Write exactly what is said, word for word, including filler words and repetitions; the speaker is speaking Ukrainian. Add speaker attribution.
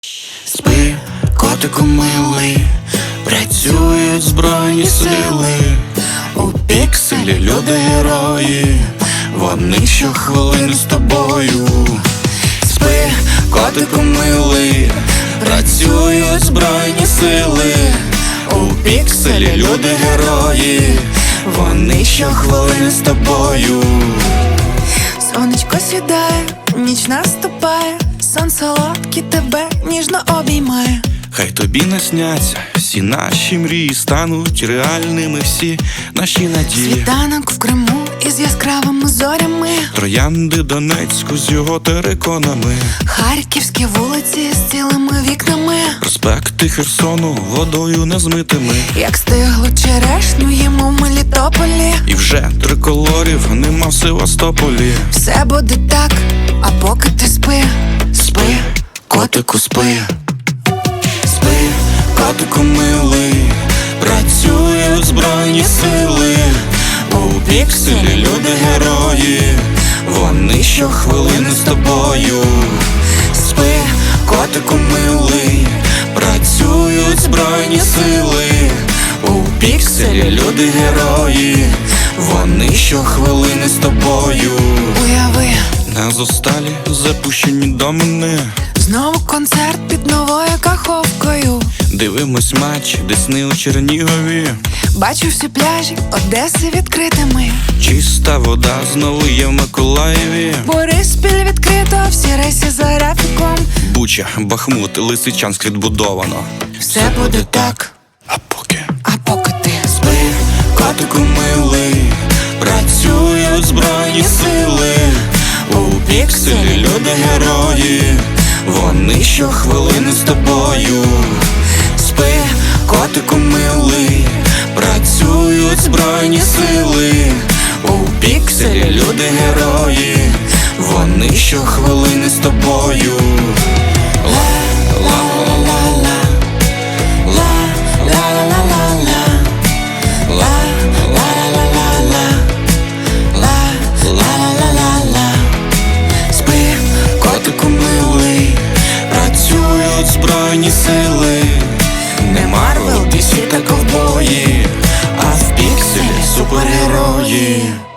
Speaker 1: Спи, котику милий, працюють збройні сили. У пікселі люди герої, вони щохвилини з тобою. Спи, котику милий, працюють збройні сили. У пікселі люди герої, вони щохвилини з тобою.
Speaker 2: Сонечко сідає, ніч наступає, сон солодкий тебе ніжно обіймає.
Speaker 1: Хай тобі насняться всі наші мрії, стануть реальними всі наші надії.
Speaker 2: Світанок в Криму із яскравими зорями,
Speaker 1: Троянди Донецьку з його териконами,
Speaker 2: харківські вулиці з цілими вікнами,
Speaker 1: проспекти Херсону водою незмитими.
Speaker 2: як стиглу черешню їмо в Мелітополі.
Speaker 1: І вже триколорів нема в Севастополі.
Speaker 2: Все буде так, а поки ти спи.
Speaker 1: Спи, котику, спи. Спи, котику милий, працюють збройні сили. У пікселі люди герої, вони щохвилини з тобою. Спи, котику милий, працюють збройні сили. У пікселі люди герої, вони щохвилини з тобою.
Speaker 2: Уяви,
Speaker 1: На зосталі запущені домини,
Speaker 2: знову концерт під новою каховкою.
Speaker 1: дивимось матч Десни у Чернігові.
Speaker 2: Бачу всі пляжі Одеси відкритими.
Speaker 1: Чиста вода знову є в Миколаєві.
Speaker 2: Бориспіль відкрито, всі рейси за графіком.
Speaker 1: Буча, Бахмут, Лисичанськ відбудовано.
Speaker 2: Все буде так,
Speaker 1: А поки
Speaker 2: а поки ти
Speaker 1: спи, котику милий, працюють збройні сили. У пікселі люди герої, вони щохвилини з тобою. Спи, котику милий, працюють збройні сили. У пікселі люди герої, вони щохвилини з тобою. Спи, котику милий, працюють збройні сили. Не Марвел, Ді Сі та ковбої, а в пікселі супергерої.